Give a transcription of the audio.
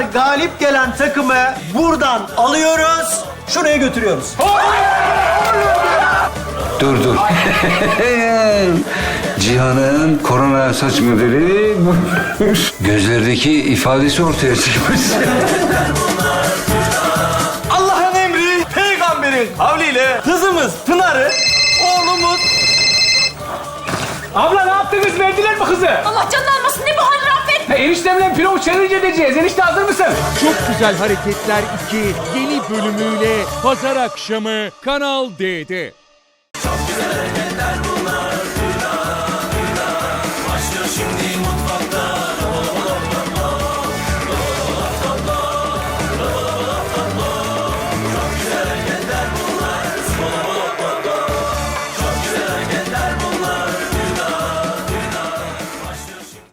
sefer galip gelen takımı buradan alıyoruz, şuraya götürüyoruz. Dur. Cihan'ın korona saç modeli gözlerdeki ifadesi ortaya çıkmış. Allah'ın emri, peygamberin kavliyle kızımız Pınar'ı, oğlumuz... Abla ne yaptınız? Verdiler mi kızı? Allah canını almasın, ne bu hal Rafet? Eniştemle pilav challenge edeceğiz. Enişte hazır mısın? Çok Güzel Hareketler 2 yeni bölümüyle pazar akşamı Kanal D'de. Başlıyor şimdi mutfakta